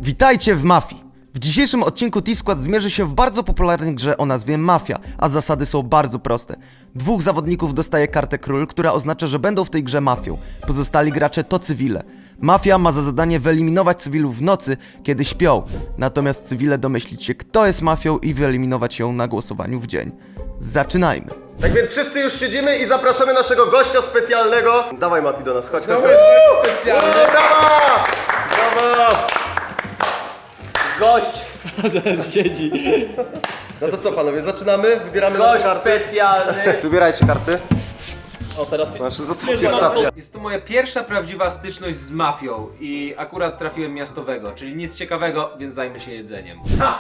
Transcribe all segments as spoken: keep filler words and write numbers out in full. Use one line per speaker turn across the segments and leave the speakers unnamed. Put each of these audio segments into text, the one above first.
Witajcie w Mafii! W dzisiejszym odcinku T-Squad zmierzy się w bardzo popularnej grze o nazwie Mafia, a zasady są bardzo proste. Dwóch zawodników dostaje kartę król, która oznacza, że będą w tej grze mafią. Pozostali gracze to cywile. Mafia ma za zadanie wyeliminować cywilów w nocy, kiedy śpią. Natomiast cywile domyślić się, kto jest mafią i wyeliminować ją na głosowaniu w dzień. Zaczynajmy!
Tak więc wszyscy już siedzimy i zapraszamy naszego gościa specjalnego. Dawaj Mati do nas, chodź, chodź, chodź.
Specjalny.
O, brawa! Brawo!
Gość siedzi.
No to co panowie, zaczynamy, wybieramy nasze
Gość
karty.
specjalny.
Wybierajcie karty.
O teraz
Znaczy, zostawcie ostatnie.
Jest to moja pierwsza prawdziwa styczność z mafią i akurat trafiłem miastowego, czyli nic ciekawego, więc zajmę się jedzeniem.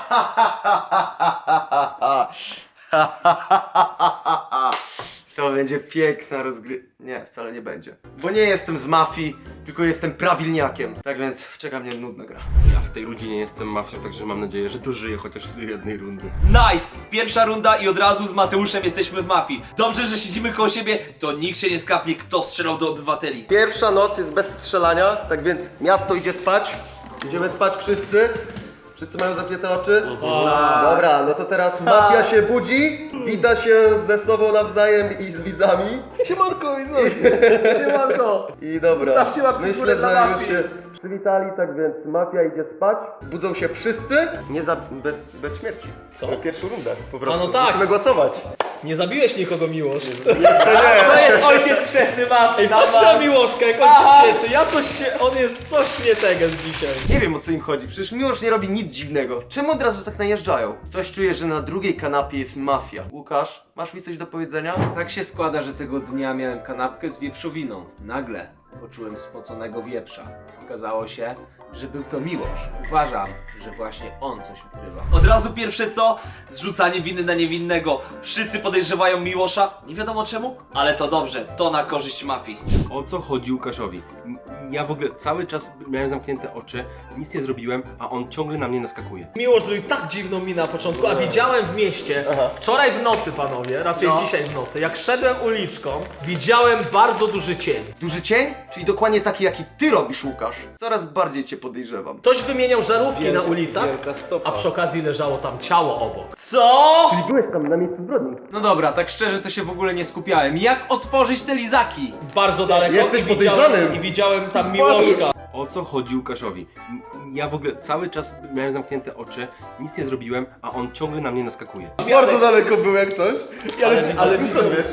To będzie piękna rozgry... Nie, wcale nie będzie. Bo nie jestem z mafii, tylko jestem prawilniakiem. Tak więc czeka mnie nudna gra.
Ja w tej rodzinie jestem mafią, także mam nadzieję, że dożyję chociaż do jednej rundy.
Nice! Pierwsza runda i od razu z Mateuszem jesteśmy w mafii. Dobrze, że siedzimy koło siebie, to nikt się nie skapnie, kto strzelał do obywateli.
Pierwsza noc jest bez strzelania, tak więc miasto idzie spać. Idziemy spać wszyscy. Wszyscy mają zamknięte oczy? Dobra, no to teraz mafia się budzi, wita się ze sobą nawzajem i z widzami.
Siemanko, widzowie. Siemanko.
I dobra,
Zostawcie łapki w
myślę,
górę
że
dla
już
mafii.
się przywitali, tak więc mafia idzie spać. Budzą się wszyscy, nie za... bez, bez śmierci.
Co?
Na pierwszą rundę po prostu.
A no tak.
Musimy głosować.
Nie zabiłeś nikogo, Miłosz.
Jeszcze nie.
To jest ojciec chrzestny mafii. Ej, patrzcie na Miłoszkę, jak on się cieszy. Ja coś się, on jest coś nie tego z dzisiaj.
Nie wiem, o co im chodzi, przecież Miłosz nie robi nic dziwnego. Czemu od razu tak najeżdżają? Coś czuję, że na drugiej kanapie jest mafia. Łukasz, masz mi coś do powiedzenia?
Tak się składa, że tego dnia miałem kanapkę z wieprzowiną. Nagle poczułem spoconego wieprza. Okazało się, że był to Miłosz. Uważam, że właśnie on coś ukrywa. Od razu pierwsze co? Zrzucanie winy na niewinnego. Wszyscy podejrzewają Miłosza, nie wiadomo czemu, ale to dobrze, to na korzyść mafii.
O co chodzi Łukaszowi? M- Ja w ogóle cały czas miałem zamknięte oczy, nic nie zrobiłem, a on ciągle na mnie naskakuje.
Miłosz zrobił tak dziwną minę na początku, a widziałem w mieście, wczoraj w nocy, panowie, raczej dzisiaj w nocy, jak szedłem uliczką, widziałem bardzo duży cień.
Duży cień? Czyli dokładnie taki, jaki ty robisz, Łukasz. Coraz bardziej cię podejrzewam.
Ktoś wymieniał żarówki na ulicach, a przy okazji leżało tam ciało obok. Co?
Czyli byłeś tam na miejscu zbrodni.
No dobra, tak szczerze to się w ogóle nie skupiałem. Jak otworzyć te lizaki?
Bardzo daleko
Jesteś
i widziałem,
podejrzanym.
i widziałem tam Miłoszka.
O co chodzi Łukaszowi? M- Ja w ogóle cały czas miałem zamknięte oczy, nic nie zrobiłem, a on ciągle na mnie naskakuje.
Bardzo daleko był jak coś. Ale,
Ale
ale,
widzę-
ty wiesz.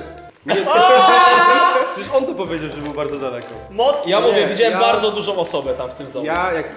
Przecież on to powiedział, że był bardzo daleko.
Mocno. Ja mówię, widziałem
ja-
bardzo dużą osobę tam w tym zonie.
Ja jak...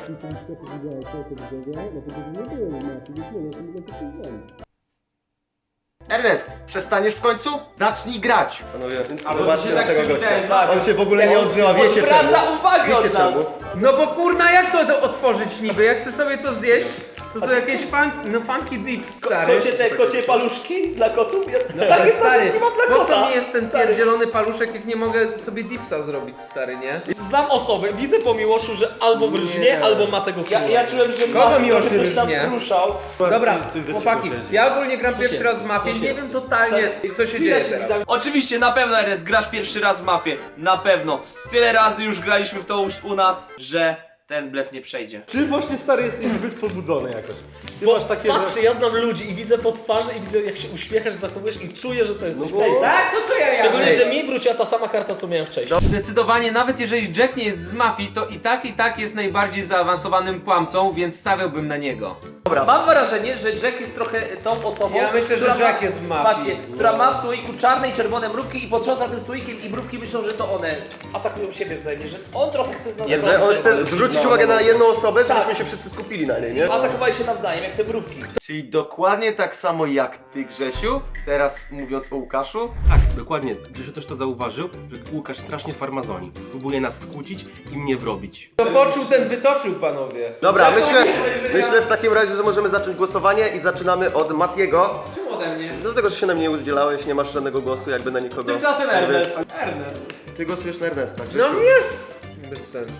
Ernest, przestaniesz w końcu? Zacznij grać. Panowie, zobaczcie na
tak
tego
przywitałeś
gościa. On się w ogóle nie odzywa, wiecie czemu?
Odwraca uwagę
Wiecie
od nas.
czemu?
No bo kurna, jak to, to otworzyć niby? Jak chcę sobie to zjeść, to są jakieś fun, no funky dips, stary.
Kocie te kocie paluszki dla kotów? No,
Ale
tak jest
stary,
nie mam dla
po
kota.
co mi jest ten pierdzielony paluszek, jak nie mogę sobie dipsa zrobić, stary, nie?
Znam osobę, widzę po Miłoszu, że albo brżnie,
Nie.
albo ma tego ja, ja czułem, że
Kogo
ma
Miłosz
ktoś tam
rżnie?
ruszał.
Dobra,
coś za
chłopaki,
cicho siedzi.
ja ogólnie gram pierwszy
jest?
raz w mafię,
Coś
nie
jest?
wiem totalnie, co się dzieje teraz.
Oczywiście, na pewno Ernest, grasz pierwszy raz w mafię. Na pewno. Tyle razy już graliśmy w to u, u nas, że ten blef nie przejdzie.
Ty właśnie stary jesteś zbyt pobudzony jakoś. Ty
Bo
masz takie...
patrzę, ja znam ludzi i widzę po twarzy i widzę jak się uśmiechasz, zachowujesz i czuję, że to jesteś
bo-
Blaze.
Tak, to co ja
Szczególnie,
miałem?
że mi wróciła ta sama karta, co miałem wcześniej.
Zdecydowanie, nawet jeżeli Jack nie jest z mafii, to i tak, i tak jest najbardziej zaawansowanym kłamcą, więc stawiałbym na niego.
Mam wrażenie, że Jack jest trochę tą osobą,
Ja myślę, że
która
Jack
ma,
jest w mafii.
Patrzcie, która ma w słoiku czarne i czerwone mrówki i potrząsa tym słoikiem i mrówki myślą, że to one atakują siebie wzajemnie, że on trochę chce z nas
Że on chce zwrócić uwagę na jedną osobę, żebyśmy
Tak.
się wszyscy skupili na niej, nie?
atakowali się nawzajem, jak te mrówki.
Czyli dokładnie tak samo jak ty, Grzesiu, teraz mówiąc o Łukaszu.
Tak, dokładnie. Grzesiu też to zauważył, że Łukasz strasznie farmazoni. Próbuje nas skłócić i mnie wrobić.
To poczuł, ten wytoczył, panowie.
Dobra, myślę, myślę w takim razie, że możemy zacząć głosowanie i zaczynamy od Matiego.
Czemu ode mnie?
Dlatego, że się na mnie udzielałeś, nie masz żadnego głosu jakby na nikogo.
Tymczasem
Tak
Ernest.
więc
Ernest.
Ty głosujesz na Ernesta, Grzesiu.
No nie? Bez sensu.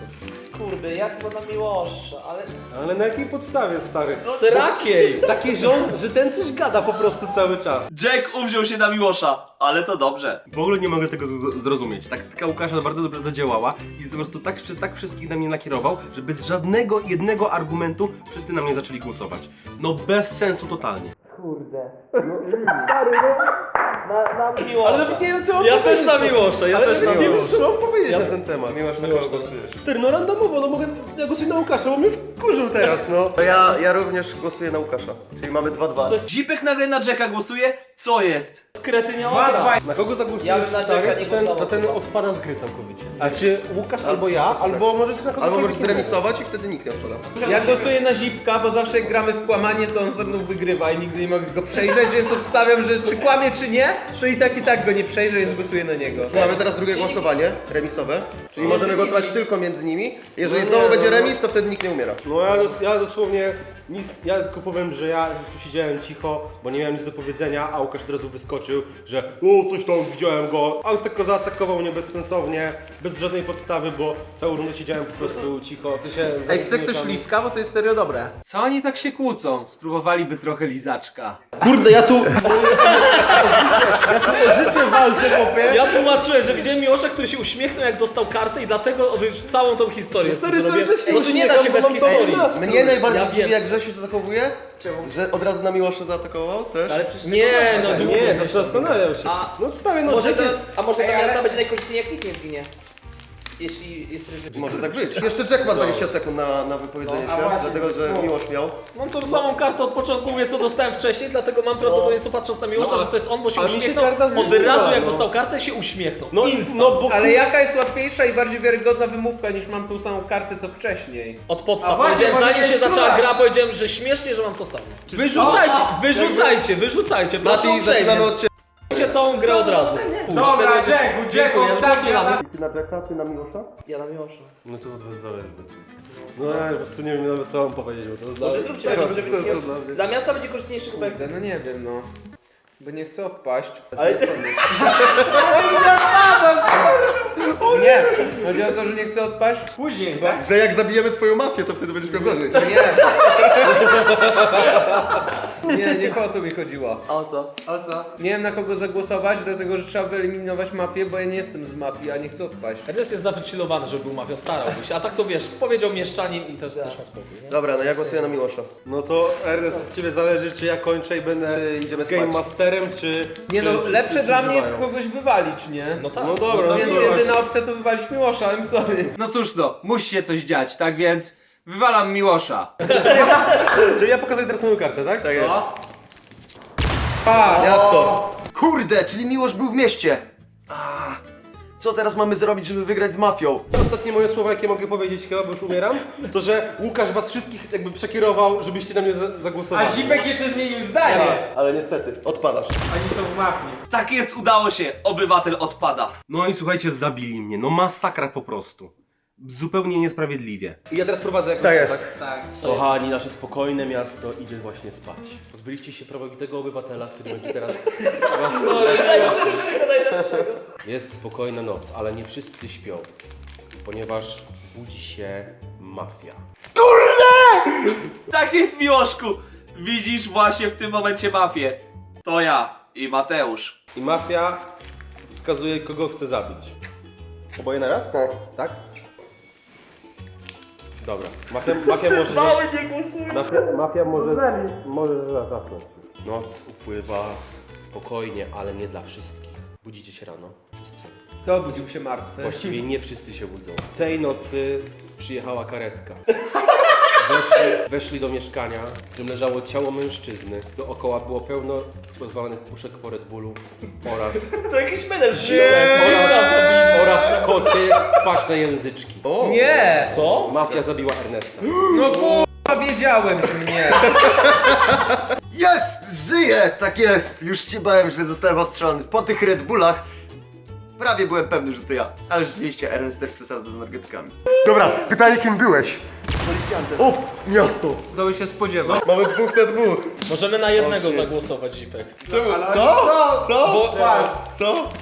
Kurde, jak to na Miłosza, ale...
Ale na jakiej podstawie, stary?
Srakiej!
Taki rząd, że ten coś gada po prostu cały czas.
Jack uwziął się na Miłosza, ale to dobrze.
W ogóle nie mogę tego z- zrozumieć. Taktyka Łukasza bardzo dobrze zadziałała i po prostu tak, przez tak wszystkich na mnie nakierował, że bez żadnego jednego argumentu wszyscy na mnie zaczęli głosować. No bez sensu totalnie.
Kurde. Na, na Miłosza.
Ale nawet nie wiem co mam
Ja
powiedzieć.
też na Miłosza, ja
Ale
też na
nawet nie wiem
Miłosza.
co mam powiedzieć na ten temat.
Miłosz na kogo głosujesz?
Stary, no randomowo, no mogę, ja głosuję na Łukasza, bo mnie wkurzył teraz, no.
To ja, ja również głosuję na Łukasza. Czyli mamy dwa dwa.
Zipek nagle na Jacka głosuje? Co jest?
Kretyniała gra.
Na kogo zagłosujesz,
Ja bym na Jacka
stary,
nie
to ten,
głosował
to ten
chyba.
odpada z gry całkowicie. A czy Łukasz albo ja, albo może też na kogo
Albo możesz zremisować i wtedy nikt nie odpada.
Ja głosuję na Zipka, bo zawsze jak gramy w kłamanie, to on ze mną wygrywa i nigdy nie mogę go przejrzeć, więc obstawiam, że czy kłamie, czy nie, to i tak i tak go nie przejrzę, więc głosuję na niego.
Mamy teraz drugie głosowanie, remisowe. Czyli możemy głosować tylko między nimi. Jeżeli znowu będzie remis, to wtedy nikt nie umiera.
No ja, dos, ja dosłownie nic, ja tylko powiem, że ja tu siedziałem cicho, bo nie miałem nic do powiedzenia, a Łukasz od razu wyskoczył, że o coś tam widziałem go, a tylko zaatakował mnie bezsensownie, bez żadnej podstawy, bo całą rundę siedziałem po prostu cicho, w sensie
Ej, chce ktoś
zamknięciami.
liska, bo to jest serio dobre.
Co oni tak się kłócą? Spróbowaliby trochę lizaczka.
Kurde, ja tu, ja tu o życie walczę, chłopie.
Ja tłumaczyłem, że widziałem Miłosza, który się uśmiechnął jak dostał kartę i dlatego już całą tą historię
Stary,
zrobię.
cały czas się
No tu nie da się
uśmiecham,
bez
bo mam to
historii.
u nas.
Mnie najbardziej
Ja
dziwi,
wiem.
jak Grzesiu się zachowuje, że od razu na Miłosza zaatakował też.
Ale przecież
Nie, no długo.
Nie, zastanawiam się.
A-
No stary, no
Może
Jack
to,
jest...
a może
Ej,
ta miasta
ale-
będzie najkorzystniej jak nikt nie zginie. Jeśli jest ryzyko.
Może tak być. Jeszcze Jack ma dwadzieścia sekund na, na wypowiedzenie
No, a
się,
właśnie,
dlatego że
no.
Miłosz miał.
Mam tą samą kartę od początku, mówię co dostałem wcześniej, dlatego mam prawdopodobieństwo patrząc na Miłosza,
No,
że to jest on, bo się
ale mi się
uśmiechnął.
karta
Od
zmieniła,
razu jak
no.
dostał kartę się uśmiechnął.
No,
Instant.
no bo
Ale jaka jest łatwiejsza i bardziej wiarygodna wymówka niż mam tą samą kartę co wcześniej?
Od
A
podstaw.
właśnie,
Powiedziałem,
może
zanim się
jest
zaczęła
próba.
gra, powiedziałem, że śmiesznie, że mam to samo. Wyrzucajcie, wyrzucajcie, wyrzucajcie, proszę
Mati,
uprzejmie.
zaczynamy od ciebie.
Zrzućcie całą grę od razu. Pójdź,
Dobra,
tego będzie-
Jack, bo
Dziękuję,
Jack,
no
tak,
głosujemy.
ja-
Ty na Jacka, ty na Miłosza?
Ja na Miłosza.
No to od was zależy. No ja po prostu nie wiem nawet co mam powiedzieć, bo to jest
Może
dla-
zróbcie
bez
remis, żeby
sensu
nie-
dla mnie.
Dla miasta będzie korzystniejszy chyba jak...
Kurde, no nie wiem, no. Bo nie chcę odpaść.
Ale ty...
Nie, chodzi o to, że nie chcę odpaść później, bo...
Że jak zabijemy twoją mafię, to wtedy będziesz miał gorzej.
Nie. Nie, nie o to mi chodziło.
A o co?
O co? Nie wiem na kogo zagłosować, dlatego że trzeba wyeliminować mafię, bo ja nie jestem z mafii, a nie chcę odpaść.
Ernest jest zawychillowany, żeby był mafia, starałby się, a tak to wiesz, powiedział mieszczanin i też, też ma spokój, nie?
Dobra, no ja głosuję na Miłosza.
No to Ernest, od ciebie zależy czy ja kończę i będę
Czy idziemy
Game
spać?
Masterem, czy...
Nie
czy
no,
wszyscy
lepsze dla mnie jest
przeżywają?
kogoś wywalić, nie?
No tak.
No dobra, no
Więc
dobra.
jedyna opcja to wywalić Miłosza, I'm sorry.
No cóż no, musi się coś dziać, tak więc wywalam Miłosza.
Czyli ja pokazuję teraz moją kartę, tak?
Tak jest.
Pa!
Miasto. Kurde, czyli Miłosz był w mieście. Ah, co teraz mamy zrobić, żeby wygrać z mafią?
Ostatnie moje słowa, jakie mogę powiedzieć chyba, bo już umieram, to że Łukasz was wszystkich jakby przekierował, żebyście na mnie za zagłosowali.
A Zipek jeszcze zmienił zdanie.
Ale niestety, odpadasz.
Oni są w mafii.
Tak jest, udało się. Obywatel odpada.
No i słuchajcie, zabili mnie. No masakra po prostu. Zupełnie niesprawiedliwie.
I ja teraz prowadzę jak
Tak
na-
jest.
Tak.
Kochani, nasze spokojne miasto idzie właśnie spać. Pozbyliście się prawowitego obywatela, który będzie teraz was... Jest spokojna noc, ale nie wszyscy śpią, ponieważ budzi się mafia.
Tak jest, Miłoszku. Widzisz właśnie w tym momencie mafię. To ja i Mateusz.
I mafia wskazuje, kogo chce zabić. Oboje na raz?
Tak.
Tak? Dobra. Mafia, mafia może... Mały nie głosuje. Mafia, mafia może... Może zacząć. Noc upływa spokojnie, ale nie dla wszystkich. Budzicie się rano. Wszyscy.
To obudził się martwy.
Właściwie nie wszyscy się budzą. Tej nocy przyjechała karetka. Weszli, weszli do mieszkania, w którym leżało ciało mężczyzny. Dookoła było pełno rozwalonych puszek po Red Bullu oraz,
To jakiś menel
oraz, oraz kocie kwaśne języczki.
Nie!
Co?
Mafia zabiła Ernesta.
No kurwa, wiedziałem, że nie.
Jest! Żyję! Tak jest! Już się bałem, że zostałem ostrzelony. Po tych Red Bullach prawie byłem pewny, że to ja. Ale rzeczywiście Ernest też przesadza z energetykami. Dobra, pytanie kim byłeś? Policjantem. O! Miasto!
Kto by się spodziewał?
Mamy dwóch na dwóch.
Możemy na jednego zagłosować, Zipek.
Co? Co? Co?
Bo,
Co?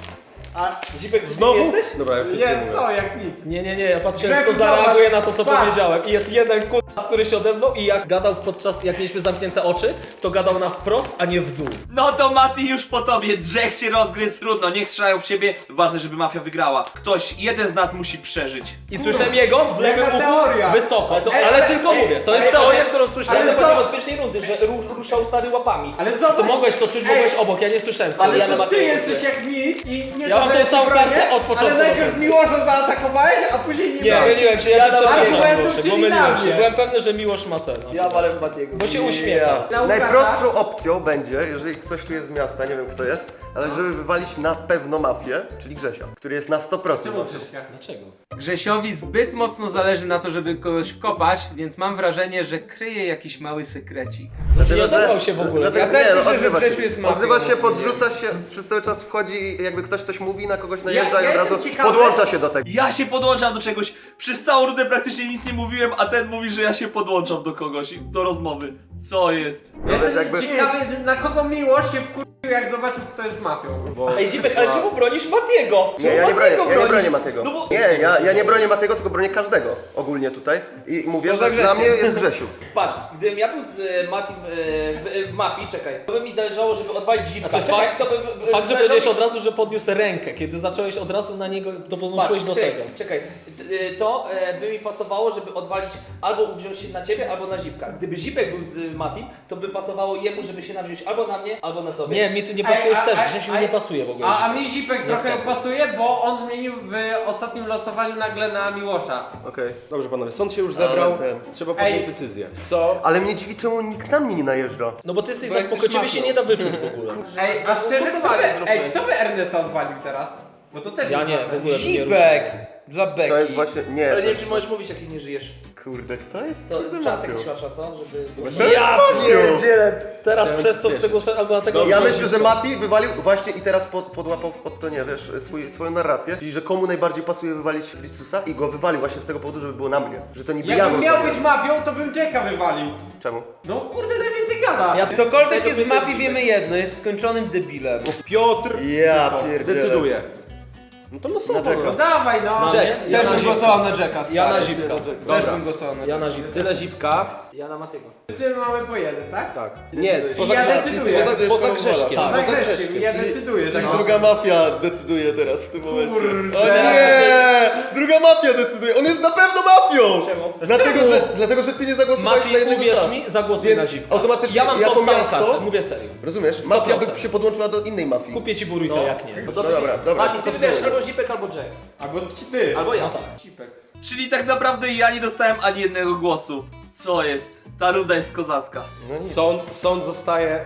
A Zipek, ty
Znowu?
jesteś?
Dobra, już nic
Nie,
nie mówię.
co, jak nic.
Nie, nie, nie, ja patrzyłem,
Greg,
kto zareaguje
zobacz.
na to, co
Patrz.
powiedziałem. I jest jeden k***a, który się odezwał i jak gadał podczas, jak mieliśmy zamknięte oczy, to gadał na wprost, a nie w dół.
No to Mati już po tobie, Jack cię rozgryzł, trudno, niech strzelają w ciebie, ważne, żeby mafia wygrała. Ktoś, jeden z nas musi przeżyć.
I słyszałem jego w lewym
Jaka
uchu
teoria?
wysoko,
Ale to-
ale,
ale-
tylko
ej,
mówię, to jest
ej,
teoria,
ale-
którą słyszałem.
ale
Ale
co?
chodzi od pierwszej rundy, że rusz, ruszał stary łapami.
Ale zobacz.
To mogłeś to czuć,
Ej,
mogłeś obok, ja nie słyszałem.
Ale
ja
to
na
ty
Mateusz
jesteś jak nic i nie
Ja
to,
mam
że
tą
ja
samą
ci bronię,
kartę od początku
Ale
do
najpierw
końca.
Miłosza zaatakowałeś, a później nie
Nie,
brałeś.
myliłem się, ja cię
dam
przepraszam,
argumentów,
Miłosze,
czyli
pomyliłem
na
się.
mnie.
Byłem pewny, że Miłosz ma ten.
Ja walę w Matiego.
Bo się uśmiecha.
Na Łukasza.
Najprostszą opcją będzie, jeżeli ktoś tu jest z miasta, nie wiem kto jest, ale żeby wywalić na pewno mafię, czyli Grzesia, który jest na sto procent mafią.
Dlaczego?
Grzesiowi zbyt mocno zależy na to, żeby kogoś wkopać, więc mam wrażenie, że kryje jakiś mały sekrecik.
Znaczy nie odezwał się w ogóle.
Dlatego,
Ja też
nie, no,
myślę, że
odzywa
Grzesiu
się,
jest mafią.
odzywa się, podrzuca się, przez cały czas wchodzi, jakby ktoś coś mówi, na kogoś najeżdża
ja
i od razu
jestem ciekawy-
podłącza się do tego.
Ja się podłączam do czegoś, przez całą rundę praktycznie nic nie mówiłem, a ten mówi, że ja się podłączam do kogoś, do rozmowy. Co jest?
No więc
Jestem
jakby...
ciekawy, na kogo Miłosz się wkurzył, jak zobaczył, kto jest mafią.
Ej Zipek, ale czemu bronisz Matiego?
Nie, ja nie bronię, ja nie bronię Matego.
No bo...
Nie, ja, ja nie bronię Matego, tylko bronię każdego ogólnie tutaj i mówię, że
Poza
dla mnie
Grzesiem.
jest Grzesiu.
Patrz, gdybym ja był z e, Matim e, w, e, w mafii, czekaj, to by mi zależało, żeby odwalić Zipka.
Znaczy,
Czekaj,
fakt-
to by, by,
Fakt, że
zależało
powiedziałeś
mi-
od razu, że podniósł rękę. Kiedy zacząłeś od razu na niego, to podłączyłeś do
czekaj,
tego.
Czekaj, T- y, to e, by mi pasowało, żeby odwalić albo wziąć się na ciebie, albo na Zipka. Gdyby Zipek był z Matim, to by pasowało jemu, żeby się nawziąć albo na mnie, albo na tobie.
Nie, mi tu nie
Ej,
pasujesz
a-
też,
a-
Grzesiu
a-
nie pasuje w ogóle.
A, a
Zipek.
mi Zipek trochę
Niestety.
pasuje, bo on zmienił w ostatnim losowaniu nagle na Miłosza.
Okej.
Dobrze panowie, sąd się już zebrał,
Ale ten-
trzeba podjąć
Ej.
decyzję. Co?
Ale mnie dziwi, czemu nikt na mnie nie najeżdża.
No bo ty jesteś
Bo
za
jesteś
spoko, ciebie się
mafią.
nie da wyczuć w ogóle.
Ej, a szczerze, kto by, ej, kto by Ernesta odwalił teraz? Bo to też
Ja
jest
nie,
mafia.
w ogóle bym nie
Zipek! Dla Beki.
To jest właśnie... Nie,
Ale
to
nie wiem,
jest...
czy możesz mówić, jak nie żyjesz.
Kurde, kto jest?
To
Kurde,
czas
mafią.
jakiś masz, co? Żeby...
To jest mafią!
Teraz przez to chcę głosować albo na tego...
Ja
albo na
myślę, że
Zipka.
Mati wywalił właśnie i teraz pod, podłapał pod to, nie wiesz, swój, swoją narrację, czyli że komu najbardziej pasuje wywalić Fricusa i go wywalił właśnie z tego powodu, żeby było na mnie. Że to niby ja
Jakbym
bym
miał
wywalił.
być mafią, to bym Jacka wywalił.
Czemu?
No kurde, najwięcej gada.
Ja-
Ktokolwiek
ja
jest w
to
mafii, wiemy jedno, jest skończonym debilem.
Piotr
Ja pierdzielę.
decyduje. No to losowo.
Dlaczego?
No dawaj no.
Na mnie? Ja
Też
na
bym
Zipka.
głosował na Jacka.
Ja na
stary.
Zipka.
Też
Dobra.
bym głosował na
Ja
Jacka.
na Zipka.
Tyle Zipka.
Ja na Matiego.
Wszyscy mamy po jeden, tak?
Tak. Nie, poza,
ja
Grze-
decyduję.
poza, poza Grzeszkiem.
Tak.
Za
Poza
Grzeszkiem, ja
czyli-
decyduję, że
Tak,
no.
druga mafia decyduje teraz w tym momencie.
Kurde.
O nie! Druga mafia decyduje. On jest na pewno mafią!
Czemu?
Dlatego, że, dlatego, że ty nie zagłosowałeś
Mati,
na jednego z
uwierz
nas.
mi, zagłosuj
Więc
na Zipka.
automatycznie
Ja mam
jako
tą samą
miasto-
kartę, mówię serio.
Rozumiesz?
sto
Mafia
procent.
by się podłączyła do innej mafii.
Kupię ci burrito,
No.
jak nie.
No to
No dobra, dobra.
Mati, ty wybierasz albo Zipek, albo Jack.
Albo ci ty.
Albo ja.
No tak.
Cipek.
Czyli tak naprawdę ja nie dostałem ani jednego głosu. Co jest? Ta runda jest kozacka.
No nic.
Sąd, sąd zostaje...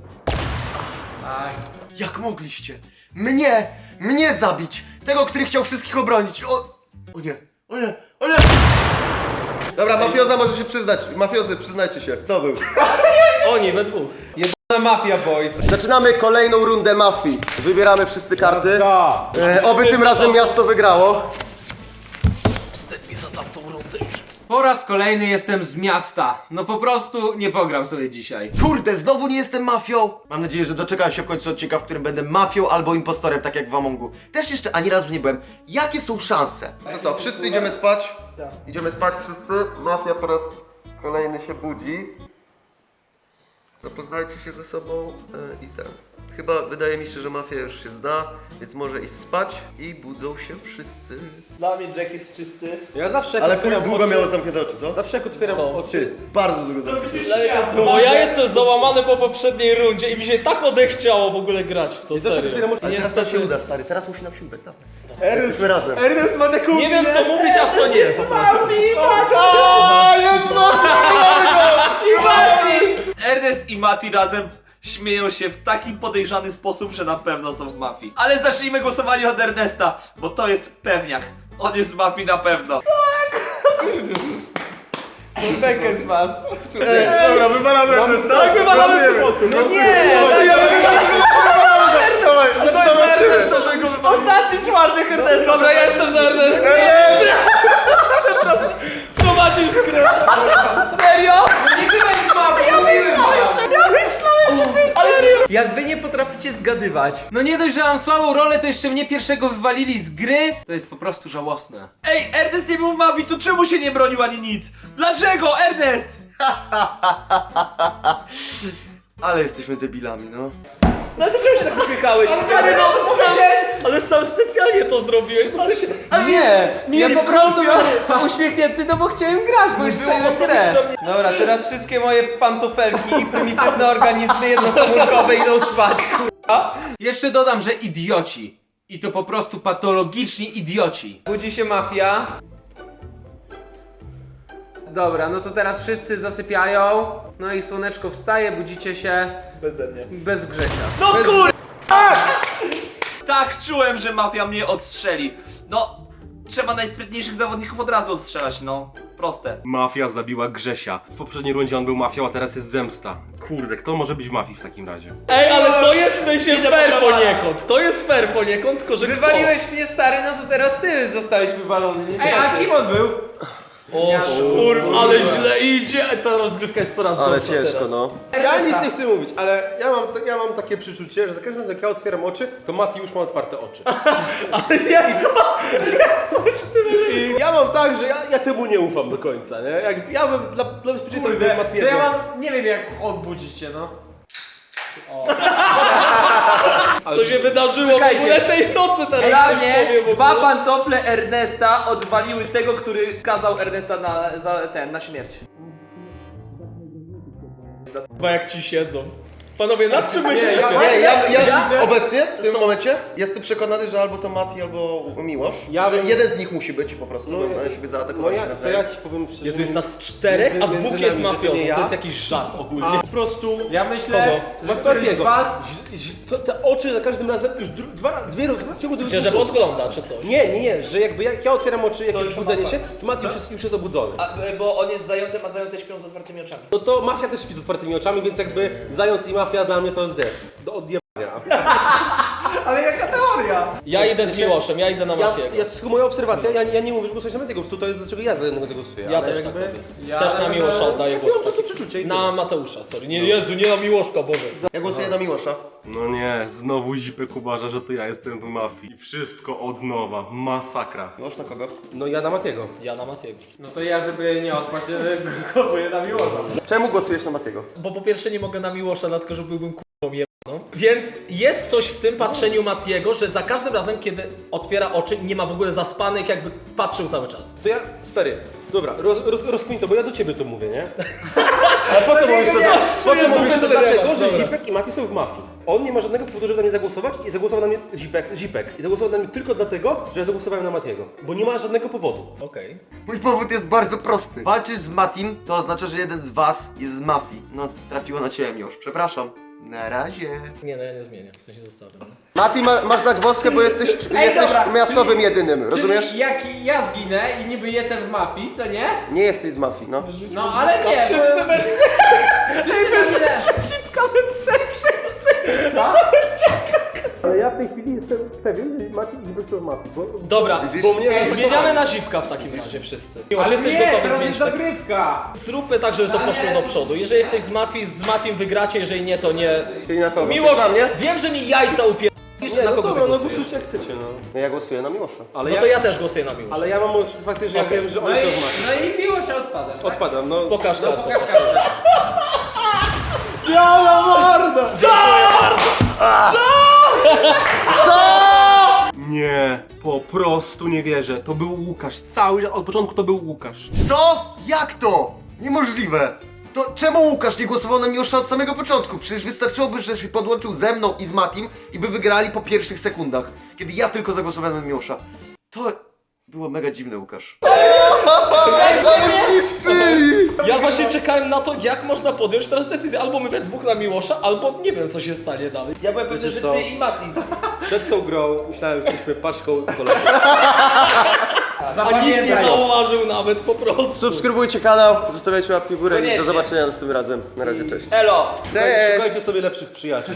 Tak.
Jak mogliście? Mnie! Mnie zabić! Tego, który chciał wszystkich obronić! O, o nie! O nie! O nie! Dobra, mafioza może się przyznać. Mafiozy, przyznajcie się. Kto był?
Oni we dwóch.
Na Mafia Boys.
Zaczynamy kolejną rundę mafii. Wybieramy wszyscy karty.
Jazda.
E, oby tym razem miasto wygrało.
Wstyd mi za tamtą rundę już.
Po raz kolejny jestem z miasta. No po prostu nie pogram sobie dzisiaj.
Kurde, znowu nie jestem mafią! Mam nadzieję, że doczekałem się w końcu odcinka, w którym będę mafią albo impostorem, tak jak w Amongu. Też jeszcze ani razu nie byłem. Jakie są szanse? No co, wszyscy idziemy spać?
Tak.
Idziemy spać wszyscy. Mafia po raz kolejny się budzi. Zapoznajcie się ze sobą e, i ten. Chyba wydaje mi się, że mafia już się zna, więc może iść spać i budzą się wszyscy.
Dla mnie Jack jest czysty.
Ja zawsze jak
Ale
otwieram
długo
oczy...
miało zamknięte oczy, co?
Zawsze jak otwieram
To
oczy...
Ty, bardzo długo zamknięte oczy.
Dla mnie to jest
Bo ja jestem załamany po poprzedniej rundzie i mi się tak odechciało w ogóle grać w to,
zawsze
serio.
otwieram oczy-
Ale teraz nam się
Niestety,
uda, stary, teraz musi nam się udać, dawaj. Jesteśmy razem.
Ernest ma taką...
nie wiem co mówić, a co nie po prostu.
A, jest
Ernest i Mati razem śmieją się w taki podejrzany sposób, że na pewno są w mafii. Ale zacznijmy głosowanie od Ernesta, bo to jest pewniak. On jest w mafii na pewno.
Bekę z was.
Dobra, wywalamy Ernesta.
Tak, wywalamy w
sposób.
No nie!
Dawaj, zaczynamy.
ostatni czwartek Ernest.
Dobra, ja jestem za Ernestem. Przepraszam, prowadzisz grę.
Serio?
Nie byłem w mafii! Ja myślałem, że... Ja myślałem, że wy serio! Jak wy nie potraficie musicie zgadywać.
No nie dość, że mam słabą rolę, to jeszcze mnie pierwszego wywalili z gry. To jest po prostu żałosne.
Ej, Ernest nie był w mafii, to czemu się nie bronił ani nic? Dlaczego, Ernest?
Ale jesteśmy debilami, no.
No to czemu się tak uśmiechałeś? Stary, no sam, ale sam specjalnie to zrobiłeś, no w sensie... Ale
Nie,
nie,
ja
nie
po prostu
stary.
uśmiechnięty, no bo chciałem grać, bo już
było
przejmę
osoby,
grę.
która mnie-
Dobra, teraz wszystkie moje pantofelki i prymitywne organizmy jednokomórkowe idą spać, kurwa.
Jeszcze dodam, że idioci. I to po prostu patologiczni idioci.
Budzi się mafia. Dobra, no to teraz wszyscy zasypiają. No i słoneczko wstaje, budzicie się
Beze mnie.
bez Grzesia.
No
bez
kur... Tak czułem, że mafia mnie odstrzeli. No, trzeba najsprytniejszych zawodników od razu odstrzelać, no. Proste.
Mafia zabiła Grzesia. W poprzedniej rundzie on był mafią, a teraz jest zemsta. Kurde, kto może być w mafii w takim razie?
Ej, ale to jest w sensie fair poniekąd. To jest fair poniekąd, tylko że
Wywaliłeś mnie, stary, no to teraz ty zostałeś wywalony. Ej, a kim on był?
O szkur, ale źle idzie. Ta rozgrywka jest coraz
Ale
gorsza
ciężko,
teraz.
no.
Ja nic nie chcę mówić, ale ja mam, ja mam takie przeczucie, że za każdym razem jak ja otwieram oczy, to Mati już ma otwarte oczy.
Ale jest to, jest coś w tym.
I ja mam tak, że ja, ja temu nie ufam do końca, nie? Jak, ja bym dla, dla bezpieczeństwa bym
To
Matiego.
ja mam, nie wiem jak odbudzić się, no.
Co się wydarzyło w
Czekajcie.
ogóle tej nocy teraz
Dla
ktoś
mnie
powie w
dwa
ogóle.
pantofle Ernesta odwaliły tego, który kazał Ernesta na, za, ten, na śmierć.
Chyba jak ci siedzą. Panowie, nad czym myślicie?
Nie, ja, ja,
Ja?
obecnie, w tym momencie, jestem przekonany, że albo to Mati, albo Miłosz.
Ja
że
bym-
jeden z nich musi być po prostu,
No,
no,
ja-
oni siebie
No
zaatakowali
ja,
się
to
nawzajem.
ja ci powiem szczerze.
Jezu, jest nas czterech, a
Między-
dwóch
między
jest
nami, że to
mafiozą.
nie ja.
To jest jakiś żart ogólnie.
A po prostu...
Ja myślę, że któryś
Matiego.
z was...
Ź- ź- to, te oczy za każdym razem już dru, dwa, dwie w ciągu dwóch
Myślę, że podgląda czy coś.
Nie, nie, nie, że jakby jak ja otwieram oczy, jak
To
jest
już
budzenie
mapa.
się, to Mati już jest, już jest obudzony.
A, bo on jest zającem, a zające śpią z otwartymi oczami.
No to mafia też śpi z otwartymi oczami, więc jakby zając i mafia dla mnie to jest, wiesz, do odjebania.
Ale jaka teoria?
Ja idę z Miłoszem, ja idę na
Ja,
Matiego.
ja, to tylko moja obserwacja, ja, ja nie mówię, że głosujesz na Matiego, po prostu to jest dlaczego ja za jednego zagłosuję.
Ja
ale
też tak
jakby...
robię.
Ja-
Też na Miłosza oddaję
Takie
głos.
mam po prostu przeczucie i
Na
tyle.
Mateusza, sorry. Nie, Jezu, nie na Miłoszka, Boże.
Ja głosuję na Miłosza.
No nie, znowu Zipek uważa, że to ja jestem w mafii. I wszystko od nowa. Masakra.
Miłosz na kogo?
No ja na Matiego.
Ja na Matiego.
No to ja, żeby nie odpaść, głosuję na Miłosza.
Czemu głosujesz na Matiego?
Bo po pierwsze nie mogę na Miłosza, dlatego że byłbym k***ą jebaną. Więc jest coś w tym patrzeniu Matiego, że za każdym razem, kiedy otwiera oczy, nie ma w ogóle zaspanych, jakby patrzył cały czas.
To ja, stary, dobra, roz, roz, rozkmin to, bo ja do ciebie to mówię, nie?
Ale po co mówisz to za...
Po co
Jezu,
mówisz to?
bez
Dlatego,
dylemat,
że
dobra.
Zipek i Mati są w mafii. On nie ma żadnego powodu, żeby na mnie zagłosować i zagłosował na mnie Zipek, Zipek. I zagłosował na mnie tylko dlatego, że ja zagłosowałem na Matiego. Bo nie ma żadnego powodu.
Okej.
Mój powód jest bardzo prosty. Walczysz z Matim, to oznacza, że jeden z was jest z mafii. No, trafiło na ciebie, Miłosz. Przepraszam. Na razie.
Nie, no ja nie zmieniam, w sensie zostawiam.
Mati, ma, masz zagwozdkę, bo jesteś,
Ej,
jesteś
dobra,
miastowym
czyli-
jedynym, rozumiesz?
Czyli jak ja zginę i niby jestem w mafii, co nie?
Nie jesteś z mafii, no.
No ale nie,
Wszyscy
bo...
we trzech!
Ej, wyrzućcie
Szybka we trzech wszyscy!
Ale ja w tej chwili jestem pewien, że Mati i Zipek są w mafii, bo...
Dobra,
Widzisz?
Bo mnie
zmieniamy na Zipka w takim razie wszyscy. Miłosz,
Ale
jesteś
nie,
gotowy
teraz
zmienić
jest
tak?
dogrywka.
Zróbmy tak, żeby to poszło do przodu. Jeżeli jesteś z mafii, z Matim wygracie, jeżeli nie, to nie.
Czyli na kogo?
Miłosz,
Chcesz na mnie?
wiem, że mi jajca upier...
Nie,
na
no
kogo
dobra,
ty
no
głosujesz?
głosujcie jak chcecie, no.
No ja głosuję na Miłosza.
Ale
No
ja,
to ja też głosuję na Miłosza.
ale ja mam satysfakcję, że ja
Okej.
wiem, że
No
oni
i,
są w mafii.
no i miło się odpadasz, tak?
Odpadam, no.
Pokaż
No
kartę.
pokaż kartę.
Biała morda!
Nie, po prostu nie wierzę. To był Łukasz. Cały, od początku to był Łukasz.
Co? Jak to? Niemożliwe. To czemu Łukasz nie głosował na Miłosza od samego początku? Przecież wystarczyłoby, że się podłączył ze mną i z Matim i by wygrali po pierwszych sekundach. Kiedy ja tylko zagłosowałem na Miłosza. To było mega dziwne, Łukasz. Zniszczyli!
Ja właśnie czekałem na to, jak można podjąć teraz decyzję. Albo my we dwóch na Miłosza, albo nie wiem, co się stanie dalej.
Ja byłem pewny,
Wiecie
że
co?
ty i Mati.
Przed tą grą myślałem, że jesteśmy paczką kolegów.
A nikt nie zauważył nawet po prostu.
Subskrybujcie kanał, zostawiajcie łapki w górę i do
Koniecznie.
zobaczenia następnym razem. Na razie, cześć.
Elo!
Cześć!
Szukajcie sobie lepszych przyjaciół.